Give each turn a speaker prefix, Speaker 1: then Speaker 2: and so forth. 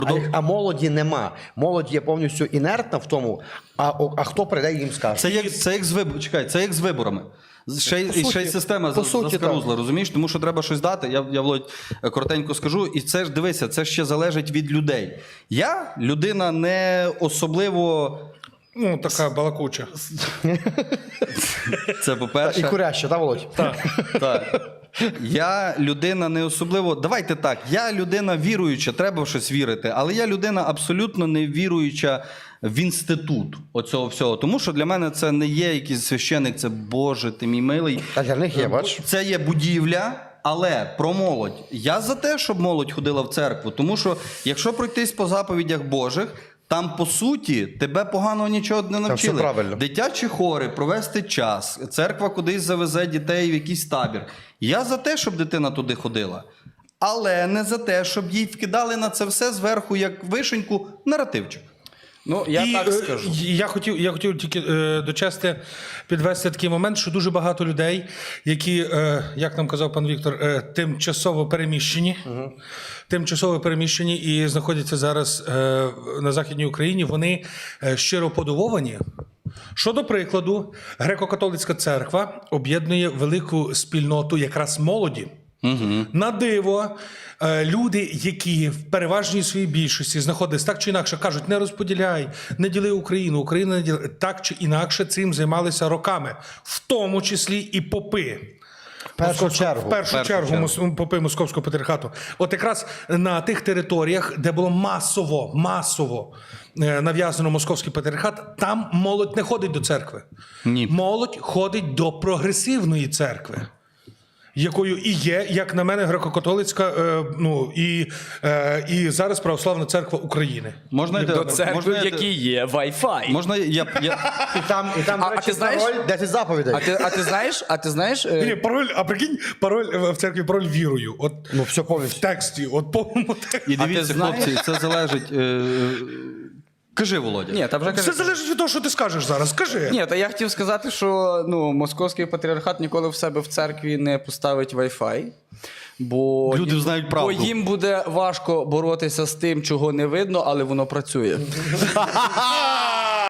Speaker 1: А молоді нема. Молодь є повністю інертна в тому, а хто прийде і їм скаже.
Speaker 2: Це як з виборами. Ще й система заскарузла, розумієш? Тому що треба щось дати. Я Володь, коротенько скажу. І це ж, дивися, це ще залежить від людей. Я людина не особливо...
Speaker 3: Ну, така балакуча.
Speaker 2: Це по-перше.
Speaker 1: І куряща, так, Володь?
Speaker 2: Так. Я людина не особливо... Давайте так, я людина віруюча, треба в щось вірити, але я людина абсолютно не віруюча в інститут оцього всього. Тому що для мене це не є якийсь священник, це Боже, ти мій милий.
Speaker 1: А для них є, бач?
Speaker 2: Це є будівля, але про молодь. Я за те, щоб молодь ходила в церкву, тому що якщо пройтись по заповідях Божих, там, по суті, тебе поганого нічого не навчили.
Speaker 1: Все правильно.
Speaker 2: Дитячі хори, провести час, церква кудись завезе дітей в якийсь табір. Я за те, щоб дитина туди ходила. Але не за те, щоб їй вкидали на це все зверху, як вишеньку, наративчик.
Speaker 4: Ну, я так скажу.
Speaker 3: Я хотів тільки дочасти підвести такий момент, що дуже багато людей, які, як нам казав пан Віктор, тимчасово переміщені і знаходяться зараз на Західній Україні, вони щиро подивовані. Що, до прикладу, Греко-католицька церква об'єднує велику спільноту якраз молоді. На диво, люди, які в переважній своїй більшості знаходились так чи інакше, кажуть, не розподіляй, не діли Україну, Україна не діли. Так чи інакше цим займалися роками, в тому числі і попи. В першу чергу попи Московського патріархату. От якраз на тих територіях, де було масово нав'язано Московський патріархат, там молодь не ходить до церкви.
Speaker 2: Ні.
Speaker 3: Молодь ходить до прогресивної церкви, якою і є, як на мене, греко-католицька, і зараз Православна церква України.
Speaker 2: Можна
Speaker 4: До церкви, в якій є Wi-Fi.
Speaker 2: Можна я...
Speaker 1: І там, до речі,
Speaker 4: ти знаєш?
Speaker 1: пароль 10 заповідей.
Speaker 4: А ти знаєш?
Speaker 3: Ні, пароль, а прикинь, пароль в церкві пароль вірою. От
Speaker 1: Ну, все повністю.
Speaker 3: в тексті, от повному тексті.
Speaker 2: І дивіться, хлопці, це залежить... Кажи, Володя.
Speaker 4: Ні, та вже
Speaker 3: Все залежить від того, що ти скажеш зараз. Скажи.
Speaker 4: Ні, та я хотів сказати, що Московський патріархат ніколи в себе в церкві не поставить Wi-Fi. Бо
Speaker 2: Люди знають правду.
Speaker 4: Бо їм буде важко боротися з тим, чого не видно, але воно працює.